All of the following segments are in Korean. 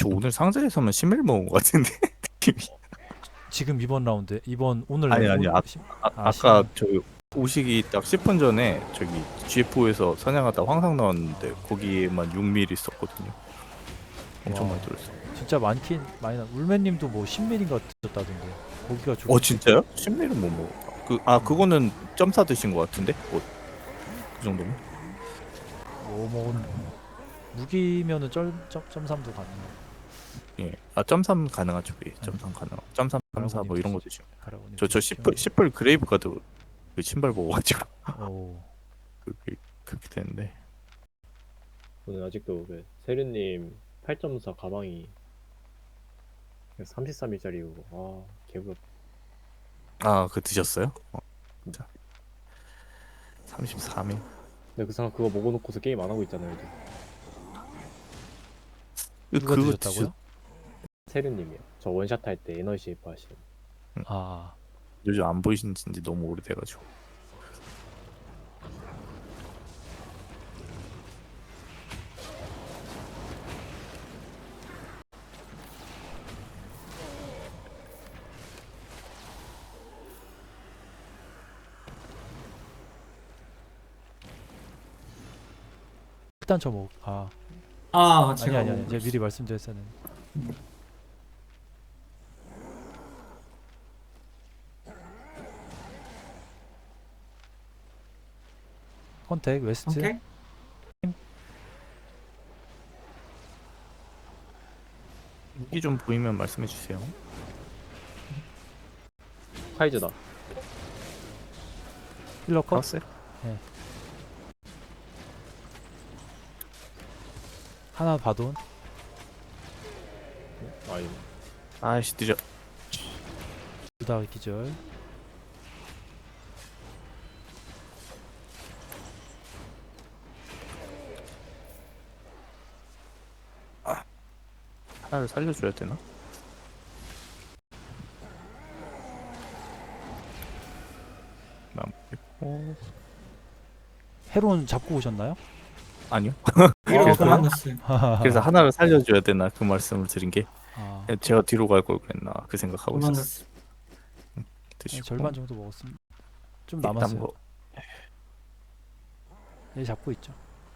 저 오늘 상자에서만 신메를 먹은 것 같은데 느낌이. 지금 이번 라운드 이번 오늘 아니 아까 저 오시기 딱 10분 전에 저기 GFO에서 사냥하다 황상 나왔는데 거기에만 6mm 있었거든요. 엄청 와. 많이 들었어. 진짜 많긴 많이 나. 울맨님도 뭐 10mm인가 드셨다던데. 고기가 좋. 진짜요? 10mm는 못 먹었다. 그거는 점사 드신 것 같은데? 그 정도면? 뭐 무기면은 점삼도 가능. 예. 점삼 가능하죠. 예. 점삼 가능. 점삼, 점사 뭐 이런 거 드시면. 가라고님. 저 10불 그레이브 가드 그 신발 먹어가지고 오. 그렇게 되는데. 저는 아직도 그 세륜님 8.4 가방이 33일짜리고 개부럽. 그거 드셨어요? 진짜. 33일. 근데 그 사람 그거 먹어놓고서 게임 안 하고 있잖아요. 요즘. 누가 드셨다고요? 세륜님이요. 저 원샷 할 때 에너지 쉐이프 하시는. 아. 요즘 안 보이신 지 너무 오래돼가지고. 일단 저 뭐. 제가 아니. 제가 미리 말씀드렸었는. 컨택 웨스트. 선택? 무기 좀 보이면 말씀해 주세요. 카이즈다. 힐러 컷. 알았어요? 하나 바돈. 아니 아이씨 늦어. 두다 기절. 하나를 살려줘야 되나? 남고 헤론 잡고 오셨나요? 아니요. 이렇게 만났어요. 그래서 하나를 살려줘야 되나 그 말씀을 드린 게 아, 제가 뒤로 갈 걸 그랬나 그 생각하고 있었어요. 만났어요. 드시고 절반 정도 먹었습니다. 좀 일단 남았어요. 뭐 얘 잡고 있죠.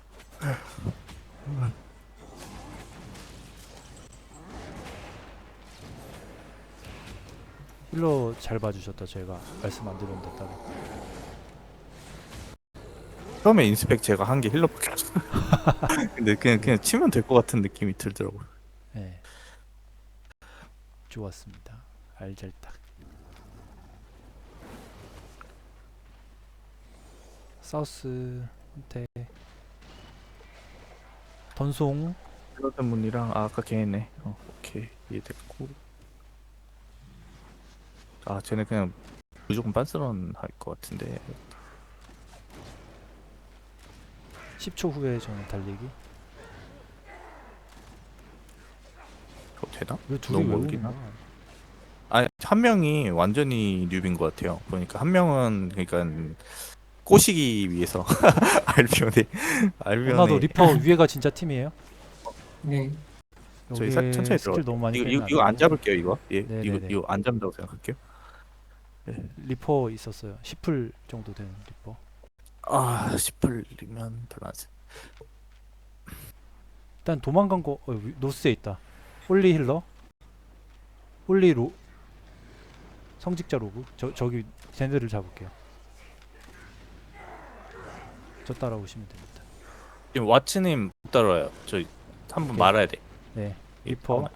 힐러 잘 봐주셨다. 제가 말씀 안 드렸는데 따로. 처음에 인스펙 제가 한 게 힐러밖에 없어. 근데 그냥 치면 될 것 같은 느낌이 들더라고요. 네. 좋았습니다. 알잘딱. 사우스 헌테 던송. 힐러 문이랑 아까 걔네. 오케이 이해됐고. 쟤네 그냥 무조건 빤스런 할 것 같은데. 10초 후에 저는 달리기. 그거 되나? 왜 둘이 너무 왜 멀긴 오는 거야? 한 명이 완전히 뉴비인 것 같아요. 보니까 한 명은 그러니까 꼬시기 위해서 알비온에 나도 리퍼 위에가 진짜 팀이에요? 네. 저희 여기에 천천히 스킬 들어가. 너무 많이 이거 안 잡을게요 이거. 예, 네네네. 이거 안 잡는다고 생각할게요. 리퍼 있었어요. 10풀 정도 되는 리퍼. 10불이면 별로 안 세. 일단 도망간 거 노스에 있다. 홀리 힐러. 홀리 로 성직자 로그. 저기 쟤네를 잡을게요. 저 따라오시면 됩니다. 지금 와츠님 못 따라와요. 저 한번 오케이. 말아야 돼. 네. 리퍼.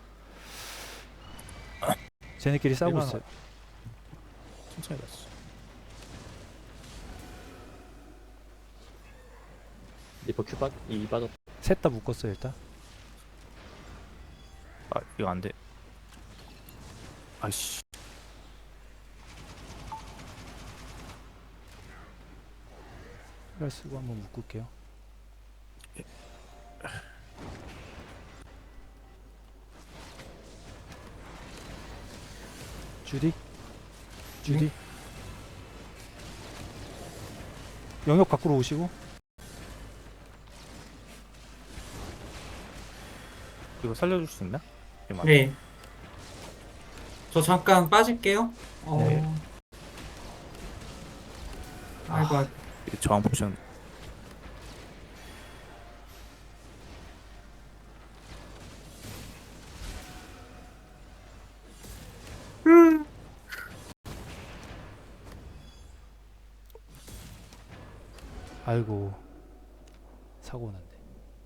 쟤네끼리 싸우고 일반- 있어요. 천천히 갔어. 리퍼 큐 이 빠졌. 셋 다 묶었어요 일단. 이거 안 돼. 아이씨. 힐러 쓰고 한번 묶을게요. 주디. 영역 밖으로 오시고. 이거 살려줄 수 있나? 이렇게 막. 네. 저 잠깐 빠질게요. 네. 아이고, 아이고. 이 저항 포션. 아이고 사고는.